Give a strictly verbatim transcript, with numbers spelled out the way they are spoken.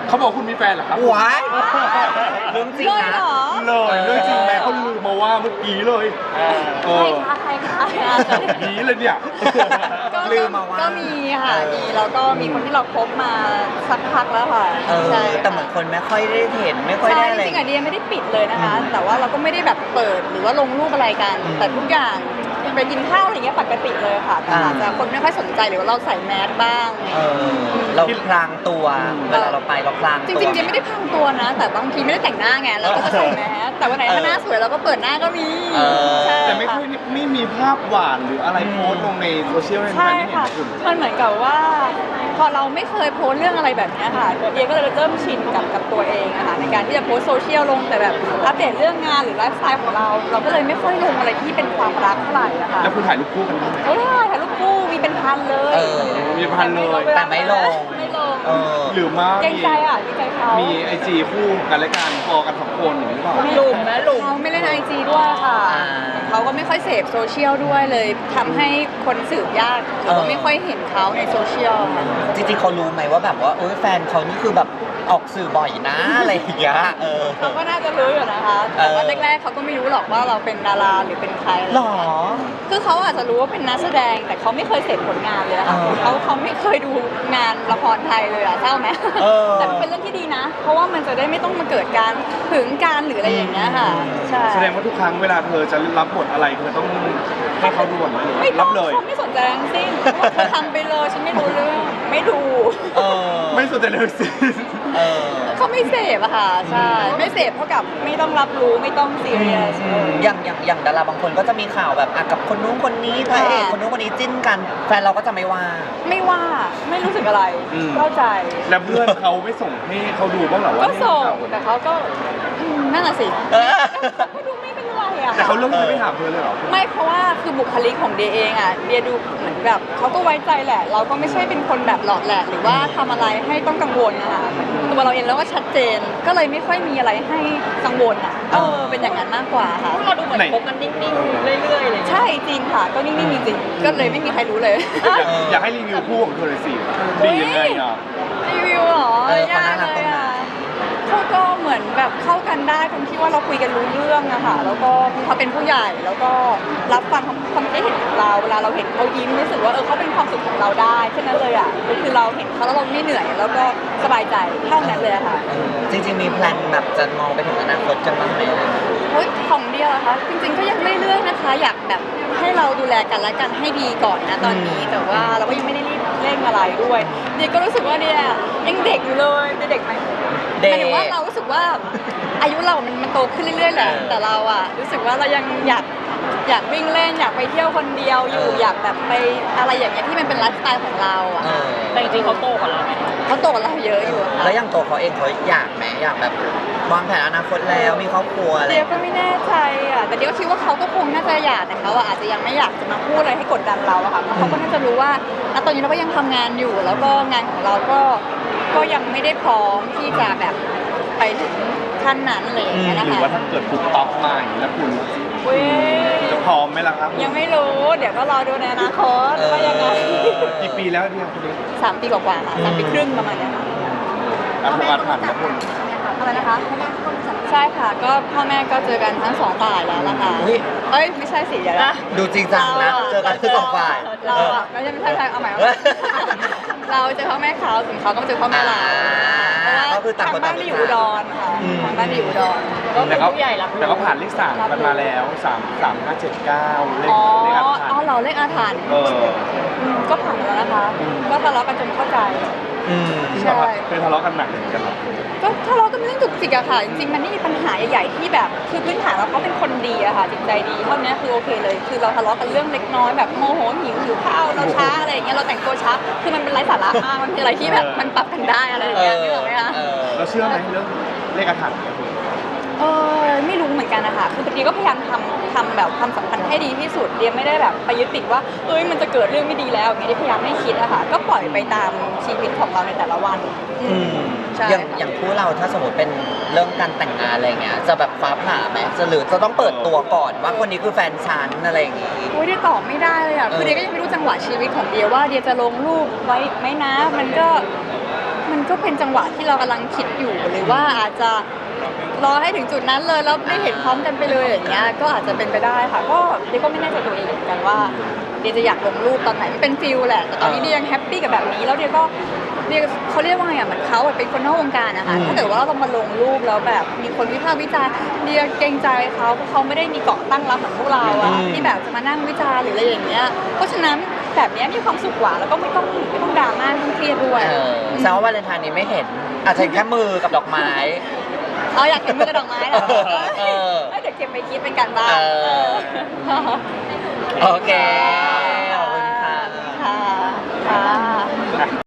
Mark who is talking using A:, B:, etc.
A: เขาบอกคุณมีแฟนเหรอครับ
B: ว้ายเรื่องจริง
C: เลย
B: นะ
C: เหรอ
A: เลยเรื่องจริงแม่เขาลืมมาว่าเมื่อกี้เลยเอ
C: ใคร
A: อ
C: คะใครคะ
A: ผีเลยเนี่ย
C: ก็
B: ลืมมาว่า
C: ก็มีค่ะมีแล้วก็มีคนที่เราคบมาสักพักแล้วค่ะ
B: เออ
C: ใช่
B: แต่เหมือนคนไม่ค่อยได้เห็นไม่ค่อย
C: ใช่
B: ได้
C: จ
B: อะไร
C: ริงๆอะเดียไม่ได้ปิดเลยนะคะ แต่ว่าเราก็ไม่ได้แบบเปิดหรือว่าลงรูปอะไรกัน
B: อืม
C: แต่ทุกอย่างไปกินข้าวอะไรเงี้ยปกติเลยค่ะแต่
B: อ่า
C: อาจจะคนไม่ค่อยสนใจหรือว่าเราใส่แมสบ้าง
B: เออเราพลางตัวเวลาเราไปเราพลาง
C: จ
B: ตัว
C: ริงๆเดียไม่ได้พังตัวนะ แต่บางทีไม่ได้แต่งหน้าไงเราก็จะใส่แมสแต่วันไหนถ้าหน้าสวยเราก็เปิดหน้าก็มี
B: เออ
C: ใช่
A: แต่ไม่ค่อยไม่มีภาพหวานหรืออะไรโพสต์ลงในโซเชียลให้แฟ
C: ใช่
A: นๆได้เห็น
C: ค่ะ
A: นะคุณ
C: มันเหมือนกับว่า พอเราไม่เคยโพสต์เรื่องอะไรแบบเนี้ยค่ะเดียก็เลยเริ่มชินกับกับตัวเองอะค่ะในการที่จะโพสต์โซเชียลลงแต่แบบอัปเดตเรื่องงานหรือไลฟ์สไตล์ของเรา เราก็เลยไม่ค่อยลงอะไรที่เป็นความรักเท่าไหร่อะค่ะ
A: แล้วคุณถ่ายรูปคู่กันไหม
C: เออถ่ายรูปคู่มีเป็นพันเลย
B: เออ
A: มีพันเลย
B: แต่ไม่ลง
C: ไม่ลง
B: เออ
A: หรือมา
C: เกรง
A: มี
C: ใจอ่ะเกรงใจเขา
A: มีไอจีคู่กันและกันพอกันสองคนอย่างนี้หรือเปล่า
C: หลุมนะหลุมเขาไม่เล่นไอจีด้วยค่ะ
B: อ่า
C: เขาก็ไม่ค่อยเสพโซเชียลด้วยเลยทำให้คนสืบยากหรือว่าไม่ค่อยเห็นเขาในโซเชียลค่ะ
B: จริงๆเขารู้ไหมว่าแบบว่าเอ้ยแฟนเขานี่คือแบบออกสื่อบ่อยนะอะไรอย่างเงี้ยเออ
C: เขาก็น่าจะรู้อยู่นะคะ แต่ว่าแรกๆเขาก็ไม่รู้หรอกว่าเราเป็นดาราหรือเป็นใคร
B: หรอ
C: คือเขาอาจจะรู้ว่าเป็นนักแสดง แต่เขาไม่เคยเสพผลงานเลยอะค่ะ
B: เออ
C: เขาเขาไม่เคยดูงานละครไทยเลยอะเศร้าไหม
B: เออ
C: แต่มันเป็นเรื่องที่ดีนะ เพราะว่ามันจะได้ไม่ต้องมาเกิดการหึงการหรืออะไรอย่างเงี้ยค่ะ ใช่
A: แสดงว่าทุกครั้งเวลาเธอจะรับบทอะไรเธอต้องให้เขาด่วนเลย
C: ไม่ต้
A: รั
C: อง
A: บเลย
C: เขาไม่สนใจทั้งสิ้นเธอทำไปเลยฉันไม่รู้เรื่องไม่ดู
B: เออ
A: ไม่สนใจเลยสิ
B: เออ
C: เขาไม่เสพอะค่ะใช่ไม่เสพเท่ากับไม่ต้องรับรู้ไม่ต้องซีเรียส
B: อย่างอย่างอย่างดาราบางคนก็จะมีข่าวแบบอ่ะกับคนนู้นคนนี้พระเอกคนนู้นคนนี้จิ้นกัน แฟนเราก็จะไม่ว่า
C: ไม่ว่าไม่รู้สึกอะไร
A: อืม
C: เข้าใจ
A: แล้วเพื่อนเขาไม่ส่งให้เขาดูบ้างเหรอว่า
C: ก็
A: นี่
C: ส่ง
A: ข่าว
C: แต่เขาก็อืมนั่นแหละสิ
B: เออ
C: ก็ดูไม่เป็นไรอะ
A: แต่เขาเลือกที่จะไม่ถามเธอเลยเหรอ
C: ไม่เพราะว่าคือบุคลิกของเดียเองอะเดียดูเหมือนแบบเขาก็ไว้ใจแหละ เราก็ไม่ใช่เป็นคนแบบหลอดแหละหรือว่าทำอะไรให้ต้องกังวลนะคะตัวเราเองแล้วก็ชัดเจนก็เลยไม่ค่อยมีอะไรให้กังวลอะเออเป็นอย่างนั้นมากกว่าค่ะ
D: เราดูเหมือนคบกันนิ่งๆ เรื่อยๆเลย
C: ใช่จริงค่ะ ก็นิ่งๆจริงๆก็เลยไม่มีใครรู้เลย
A: อยากอยากให้รีวิวคู่ของเธอเลยสิดียังไงอ่ะ
C: รีวิวเหรอ
B: เออเขาน่ารัก
C: ย
B: ตรงไหน
C: อะเขาก็เหมือนแบบเข้ากันได้ตรงที่ว่าเราคุยกันรู้เรื่องอะค่ะแล้วก็เขาเป็นผู้ใหญ่แล้วก็รับฟังความคิดเห็นของเราเวลาเราเห็นเขายิ้มรู้สึกว่าเออเขาเป็นความสุขของเราได้แค่นั้นเลยอะคือเราเห็นเขาแล้วเราไม่เหนื่อยแล้วก็สบายใจเท่านั้นเลยอะค่ะ
B: จริงๆมีแพลนแบบจะมองไปถึงอนาคตกันบ้างไหม
C: เฮ้ยของเดียวอะคะจริงๆก็ยังเรื่อยๆนะคะ อยากแบบให้เราดูแลกันและกันให้ดีก่อนนะตอนนี้ แต่ว่าเราก็ยังไม่ได้รีบเร่งอะไรด้วยเดียก็รู้สึกว่าเดียยังเด็กอยู่เลยเดียเด็กไหม
B: เด็
C: ห
B: ก
C: มายถึงว่าเรารู้สึกว่าอายุเรามันมันโตขึ้นเรื่อยๆแหละ
B: เออ
C: แต่เราอะรู้สึกว่าเรายังอยากอยากวิ่งเล่นอยากไปเที่ยวคนเดียวอยู่
B: เออ
C: อยากแบบไปอะไรอย่างเงี้ยที่มันเป็นไลฟ์สไตล์ของเราอะ
B: เออ
D: แต่จริงๆเขาโตกว่าเราไหม
C: เขาโตกว่าเราเยอะอยู่อะค่ะ
B: แล้วอย่างตัวเขาเองเขาอยากไหมอยากแบบวางแผนอนาคตแล้วมีครอบครัวอะไร
C: เดียวก็ไม่แน่ใจอะแต่เดียวคิดว่าเขาก็คงน่าจะอยากแต่เขาอะอาจจะยังไม่อยากจะมาพูดอะไรให้กดดันเราอะค่ะเพราะเขาก็น่าจะรู้ว่าณตอนนี้เราก็ยังทำงานอยู่ แล้วก็งานของเราก็ก็ยังไม่ได้พร้อมที่จะแบบไปถึงขั้นนั้นอะไรอย่างเงี้ยนะ
A: หรือ
C: คะ
A: ว่าถ้าเกิดถูกต็อกมาอย่างนี้แล้วคุณ
C: เว้ย
A: จะพร้อมไหมล่ะครับ
C: ยังไม่รู้ เดี๋ยวก็รอดูในอนาคตว่ายังไง
A: กี่ปีแล้วเนี่ยคุณเล็ก
C: สามปีกว่าๆค่ะสามปีครึ่งประมาณเนี้ยค่ะ
A: อาผ่านผ่านนะคุณ
C: อะไรนะคะใช่ค่ะ ก็พ่อแม่ก็เจอกันทั้งสองฝ่ายแล้วล่ะค่ะ
B: อุ๊ย
C: เอ้ยไม่ใช่สิเดี๋ยวนะ
B: ดูจริงจังนะเจอกันคือสองฝ่าย
C: เราอะไม่ใช่ไม่ใช่ไม่ใช่เอาใหม่เอาใหม่เราเจอพ่อแม่เขาส่วนเขาก็มาเจอพ่อแม่เราเพราะว่า
B: ก็คือต่างคน
C: ทางบ้าน
B: ต่าง
C: ที่อยู่อุดรค่ะ
B: อืม
C: ทางบ้านที่อยู่อุดร
D: ก็เป็
A: แต่
D: น
A: ก็
D: ผู้ใหญ่รับ
A: แต่ก็ผ่านเลขสามกันมาแล้วสามสามห้าเจ็ดเก้าเลข
C: อ๋อ
A: เลขอาถรร
C: อ๋อ
A: พ์
C: เราเลขอาถรรพ์
A: เออ
C: มก็ผ่านมาแล้วนะคะ ก็ทะเลาะกันจนเข้าใจ
B: อืม
C: ใช่
A: เคยทะเลาะกันหนักเหมือนกันเหรอ
C: ก็ทะเลาะกันเรื่องจุกจิกอะค่ะ จริงๆมันไม่มีปัญหาใหญ่ๆที่แบบ คือพื้นฐานเราเขาเป็นคนดีอะค่ะจิตใจดีเท่านี้คือโอเคเลย คือเราทะเลาะกันเรื่องเล็กน้อยแบบโมโหหิวหิวข้าวเราช้าอะไรอย่างเงี้ยเราแต่งตัวช้าคือมันเป็นไร้สาระมากมันเป็นอะไรที่แบบมันปรับกันได้อะไรอย่างเงี้ยนึกออกไหมคะ
B: เออ
A: เราเชื่อไหมเรื่องเลขอาถรรพ์เนี่ยคุณ
C: เออไม่รู้เหมือนกันนะคะคือเดียก็พยายามทำทำแบบความสัมพันธ์ให้ดีที่สุดเดียไม่ได้แบบไปยึดติดว่าเอ้ยมันจะเกิดเรื่องไม่ดีแล้วอย่างเงี้ยเดียพยายามไม่คิดอะค่ะก็ปล่อยไปตามชีวิตของเราในแต่ละวันอื
B: อื
C: ม
B: ม
C: ใช่
B: อย่างอย่างคู่เราถ้าสมมติเป็นเรื่องการแต่งงานอะไรเงี้ยจะแบบฟ้าผ่าไหมจะหรือจะต้องเปิดตัวก่อนว่าคนนี้คือแฟนฉันอะไรอย่างงี้
C: โอ้ยเดียตอบไม่ได้เลยอ่ะ
B: เออ
C: คือเดียก็ยังไม่รู้จังหวะชีวิตของเดียว่าเดียจะลงรูปไว้ไหมนะ มันก็มันก็เป็นจังหวะที่เรากำลังคิดอยู่หรือว่าอาจจะรอให้ถึงจุดนั้นเลยแล้วได้เห็นพร้อมกันไปเลยอย่างเงี้ยก็อาจจะเป็นไปได้ค่ะก็เดียก็ไม่แน่ใจตัวเองเหมือนกันว่าเดียจะอยากลงรูปตอนไหนมันเป็นฟิลแหละแต่ตอนนี้เดียยังแฮปปี้กับแบบนี้แล้วเดียก็เดียเขาเรียกว่าไงอ่ะเหมือนเขาอะเป็นคนนอกวงการนะคะถ้าเกิดว่าเรามาลงรูปแล้วแบบมีคนวิพากษ์วิจารณ์เดียเกรงใจเขาเพราะเขาไม่ได้มีเกาะตั้งรับเหมือนพวกเราอะที่แบบจะมานั่งวิจารณ์หรืออะไรอย่างเงี้ยเพราะฉะนั้นแบบเนี้ยมีความสุขกว่าแล้วก็ไม่ต้องไม่ต้องดราม่าไม่ต้องเครียดด้วย
B: เออแสดงว่าวาเลนไทน์นี้ไม่เห็น อาจจะเห็นแค่มือกับดอกไม้
C: เอาอยากเห็นมือกระดอกไม้เหรอ
B: เออ
C: เอ้ยเดี๋ยวเก็บไปคิดเป็นการบ้าน
B: เออ
C: เออ
B: โอเค ขอบคุณค่ะ
C: ค่ะค่ะ